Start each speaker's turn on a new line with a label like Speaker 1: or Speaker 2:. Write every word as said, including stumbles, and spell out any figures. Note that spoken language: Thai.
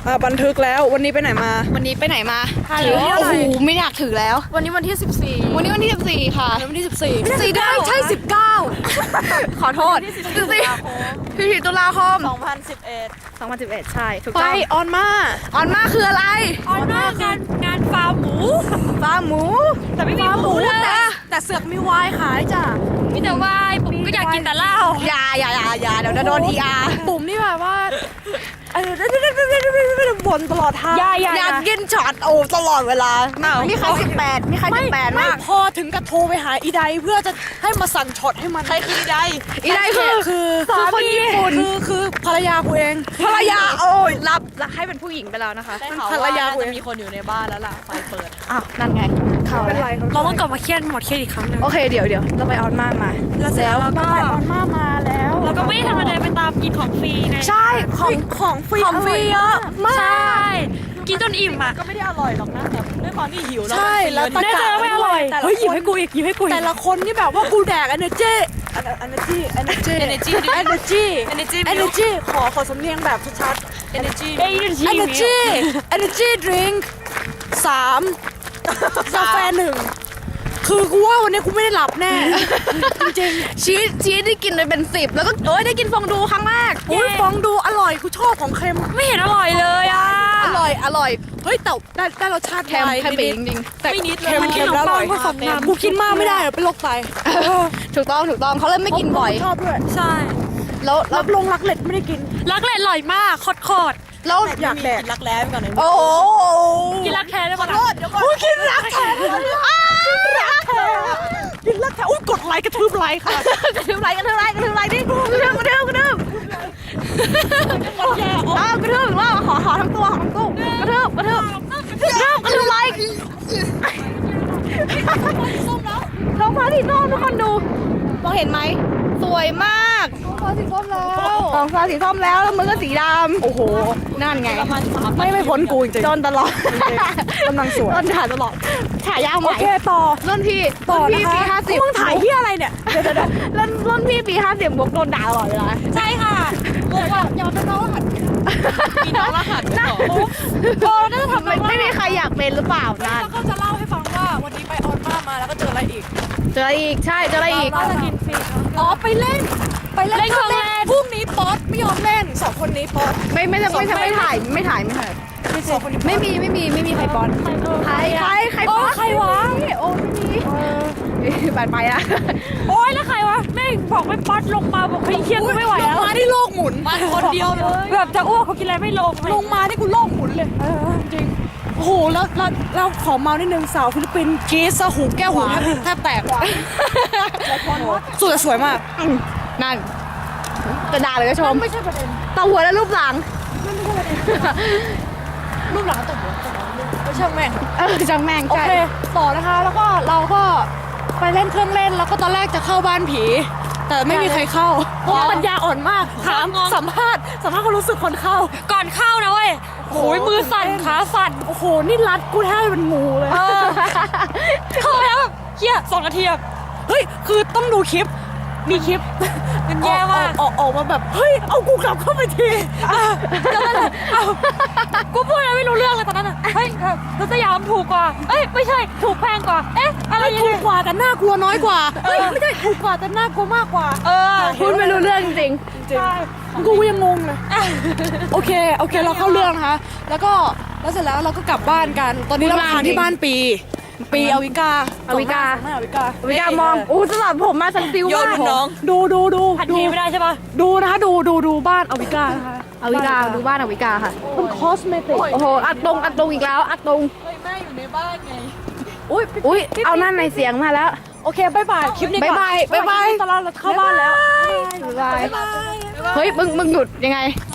Speaker 1: อ่าบันทึกแล้ววันนี้ไปไหนมา
Speaker 2: วันนี้ไปไหนมา
Speaker 1: ถือ
Speaker 2: โอ้โหไม่อยากถือแล้ว
Speaker 3: วันนี้วันที่สิบสี่
Speaker 2: วันนี้วันที่สิบสี่ค่ะ
Speaker 1: วันที่สิบสี่
Speaker 2: สี่ได้ใช่สิบเก้าขอโทษสิบสี่พี่พีตุลาคม
Speaker 3: สองพันสิบเอ็ด
Speaker 2: สองพันสิบเอ็ดใช่ถูก
Speaker 1: ไป
Speaker 2: ต้อง
Speaker 1: ออนมา
Speaker 2: ออนมาคืออะไร
Speaker 3: ออนมากงานงานฟาร์มหมู
Speaker 2: ฟาร์มหมู
Speaker 3: แต่ไม่มีหมูเลย
Speaker 1: แต่แต่เสือกมีวายขายจ้ะ
Speaker 3: มีแต่วายผมก็อยากกินแต่เหล้า
Speaker 2: อย่าอย่าอย่าอย่าเดี๋ยวจะโดนทีอาร์
Speaker 1: ปุ่มนี่แบบว่าเออบนตลอดทาง
Speaker 3: อย่าอย่า
Speaker 2: อยากกินช็อตโอ้ตลอดเวลามีใครสิบแปดมีใครสิบแปด
Speaker 1: ไม่
Speaker 2: มาก
Speaker 1: พอถึงกับโทรไปหาอีไดเพื่อจะให้มาสั่งช็อตให้มันใครคืออีได
Speaker 2: อีไดคือ
Speaker 1: คือ
Speaker 2: คือคนญี่ปุ่น
Speaker 1: คือคือภรรยากูเอง
Speaker 2: ภรรยาโอ้ยรับรับให้เป็นผู้หญิงไปแล้วนะคะ
Speaker 3: ได้ข่าว
Speaker 1: ภรร
Speaker 3: ว่าย
Speaker 1: า
Speaker 3: น่า
Speaker 1: กู
Speaker 3: จะ
Speaker 1: เอง
Speaker 3: มีคนอยู่ในบ้านแล้วล่ะไฟเปิด
Speaker 2: อ้าวนั่นไงข่าว
Speaker 1: เป็น
Speaker 2: แล้ว
Speaker 1: ไร
Speaker 3: เราต้องกลับมาเครียดหมดเครียดอีกครั้งนึง
Speaker 2: โอเคเดี๋ยวเดี๋ยวเราไปออนมามา
Speaker 3: แล้วเสร็จแล้วเราก็
Speaker 1: ออนมามาแล้ว
Speaker 3: เราก็ไม่ได้ธรรมดาไปตามกินของฟรีไง
Speaker 2: ใช่ของ
Speaker 1: ของฟรี
Speaker 2: ของฟรีเยอะมาก
Speaker 3: ใช่กินจนอิ่มอ่ะ
Speaker 1: ก็ไม่ได้อร่อยหรอกนะแบบด้วยความที่หิวแล้ว
Speaker 3: ใช่แล้ว
Speaker 1: ตะ
Speaker 3: แน่ใจว่าไม่อร่อย
Speaker 1: แต่ละ
Speaker 3: เฮ้ยหยิบ
Speaker 1: คน
Speaker 3: ให้กูอีกหยิบให้กูอีก
Speaker 1: แต่ละคนนี่แบบว่ากูแดก energy energy energy
Speaker 3: Energy
Speaker 1: energy
Speaker 3: Energy
Speaker 1: energy ขอขอสำเนียงแบบชัด
Speaker 3: energy
Speaker 1: ๆ energy energy drink สามกาแฟหนึ่งคือกูว่าวันนี้กูไม่ได้หลับแน่ จริง
Speaker 2: ชีสชีสที่กินเลยเป็นสิบแล้วก็โอ้ยได้กินฟองดูครั้งแรก
Speaker 1: ๆโอ้ยฟองดูอร่อยกูชอบของเค็ม
Speaker 3: ไม่เห็นอร่อยเลยอ่ะ
Speaker 2: อร่อยอร่อย
Speaker 1: เฮ้ยแต่ได้ได้รสชาติ
Speaker 2: แคม
Speaker 1: ไวน์
Speaker 2: แคมเปญ
Speaker 1: นิด
Speaker 2: จริง
Speaker 1: ๆแต่
Speaker 3: ไม่นิดเลย
Speaker 1: เค็ม
Speaker 3: มันกิน
Speaker 1: เค็มแล้วอร่อย
Speaker 3: ขนมปังผสมน้ำ
Speaker 1: กูกินมากไม่ได้เดี๋ยวเป็นโรคไต
Speaker 2: ๆถูกต้องถูกต้องเขาเลยไม่กินบ่อย
Speaker 1: ชอบด้วย
Speaker 3: ใช่
Speaker 2: แล้วแล้
Speaker 1: รั
Speaker 2: ว
Speaker 1: บลงรักเล็ดไม่ได้กิน
Speaker 3: รักแร้อร่อยมากโคตร
Speaker 2: แล้ว
Speaker 1: อยากแดก
Speaker 3: รักแร้ไปก่อนเลย
Speaker 2: โอ้โห
Speaker 3: กินรักแท้ได้ปะล่ะ
Speaker 1: อุ้ยกินรักแท้รักแท้กินรักแท้อุ้ยกดไลค์กระทืบไลค์ค่ะ
Speaker 2: กระทืบไรกระทืบไรกระทืบไรดิกระทืบกระทืบกระทืบอ้าวกระทืบอีกว่าขอขอทั้งตัวขอทั้งตัวกระทืบกระทืบกระทืบกระทืบไรท้องฟ้าสีส้มทุกคนดูมองเห็นไหมสวยมากท้องฟ้าสีส้มแล้วท้องฟ้าสีส้มแล้วแล้วมือก็สีดำโอ้โหนั่นไง
Speaker 1: ไม่ไม่พ้นกูจริง
Speaker 2: โดนตลอด
Speaker 1: กำลังสวย
Speaker 2: โดนถ่ายตลอดฉายาให
Speaker 1: โอ
Speaker 2: ม่
Speaker 1: เคต่อ
Speaker 2: รุ่นพี่
Speaker 1: ต่อ
Speaker 2: รุ่น
Speaker 1: นะ
Speaker 2: พี่
Speaker 1: คะ
Speaker 2: ปีห้าสิบ
Speaker 1: มึงถ่ายที่อะไรเนี่ยเดี๋ยวเดี๋ยว
Speaker 2: รุ่นรุ่นพี่ปีห้าสิบบวกโดนด่าตลอดเวลา
Speaker 3: ใช่ค่ะบอกว่าอย่าเป็นน้องรหัสมีน้องรหัสด้วยเหรอ
Speaker 2: โอ้น่าจะทำไม่ไม่มีใครอยากเป็นหรือเปล่านั่น
Speaker 1: แล้วก็จะเล่าให้ฟังว่าวันนี้ไปออนมามาแล้วก็เจออะไรอีก
Speaker 2: เจออะไรอีกใช่เจออะไรอีก
Speaker 1: เราจะกินฟรีอ๋อไปเล่นไปเล่น
Speaker 3: เล่นเครื่องเล่น
Speaker 1: พรุ่งนี้ป๊อตไม่ยอมเล่นสองคนนี้ป๊อต
Speaker 2: ไม่ไม่ไม่ไม่ไม่ถ่ายไม่ถ่ายไม่ถ่าย
Speaker 1: สองคนนี้
Speaker 2: ไม่มีไม่มีไม่มีใครป้อนใครใครใครป้อน
Speaker 3: ใครวะ
Speaker 2: โอ้ไม่มีบาดไปละ
Speaker 3: โอ๊ยแล้วใครวะแม่งบอกไม่ป๊อดลงมาบอกพี่เครียดกูไม่ไหวแล้ว
Speaker 1: ลงมาที่โลกหมุน
Speaker 3: มาคนเดียวเลยแบบจะอ้วกเขากินอะไรไม่ลง
Speaker 1: ลงมานี่กูโลกหมุนเลยจริงโอ้โหแล้วแล้วเราขอเมานิดนึงสาวฟิลิปปินส์กรีซซะหูแก้วหูแทบแทบแตกสวยสวยมาก
Speaker 2: นั่นจะด่าเลยก็ชม
Speaker 1: ไม่ใช่ประเด็น
Speaker 2: ตาหัวและรูปหลัง
Speaker 1: รูปหลังตกหัวไม่ช่างแม่ง
Speaker 2: เออจังแม่ง
Speaker 1: โอ
Speaker 2: ใช่
Speaker 1: เคต่อนะคะแล้วก็เราก็ไปเล่นเครื่องเล่นแล้วก็ตอนแรกจะเข้าบ้านผี แต่ไม่มีใครเข้าเพราะว่าปัญญาอ่อนมากถามสัมภาษณ์สัมภาษณ์ความรู้สึกคนเข้า
Speaker 3: ก่อนเข้านะเว้ยโอ้ยมือสั่นขาสั่น
Speaker 1: โอ้โหนี่รัดกูแทบเป็นงูเลย
Speaker 3: เข้าแล้วแบบเฮียสองนาทีแบบ
Speaker 1: เฮ้ยคือต้องดูคลิปมีคลิป
Speaker 3: มันแย่มาก
Speaker 1: ออกออกมาแบบเฮ้ยเอากูกลับเข้าไปทีอ่ะ
Speaker 3: แล้วนั่นแหละเอ้ากูพูดอะไรไม่รู้เรื่องเลยตอนนั้นอ่ะเฮ้ยเออรถสยามถูกกว่าเอ้ยไม่ใช่ถูกแพงกว่าเอ๊ะอะไร
Speaker 1: ไม่
Speaker 3: ยัง
Speaker 1: ถู
Speaker 3: ไง
Speaker 1: กกว่าแต่น่ากลัวน้อยกว่าเฮ้ยไม่ใช่ถูกกว่าแต่น่ากลัวมากกว่า
Speaker 3: เออ
Speaker 2: พูดไม่รู้เรื่องจริง
Speaker 1: จริงกูยังงงเลยโอเคโอเคเราเข้าเรื่องนะคะแล้วก็แล้วเสร็จแล้วเราก็กลับบ้านกัน ตอนนี้เราค้างที่บ้านปีปีอวิกา
Speaker 2: อวิกา
Speaker 1: ไม่อวิกา
Speaker 2: วิกามองอู้สลับผมมาสันติว
Speaker 3: โยน
Speaker 2: มาก
Speaker 3: ลูกน้อง
Speaker 1: ดูดูดู
Speaker 3: ทัน
Speaker 1: ดู
Speaker 3: ทีไม่ได้ใช่ปะ
Speaker 1: ดูนะคะดูดูดูบ้านอวิกานะคะ
Speaker 2: อวิกาดูบ้านอวิกาค่ะ
Speaker 1: เป็นคอสเมติก
Speaker 2: โอ้โหอัดตรงอัดตรงอีกแล้วอัดตรง
Speaker 3: แม่อยู่ในบ้านไง
Speaker 1: อุ้ย
Speaker 2: อุ้ยเอานั่นในเสียงมาแล้ว
Speaker 1: โอเคบายบายคลิปนี้ก่อน
Speaker 2: บ๊ายบายบ๊ายบาย
Speaker 1: ตอนเราเข้าบ้านแล้ว
Speaker 2: บ๊ายบายเฮ้ยมึงมึงหยุดยังไง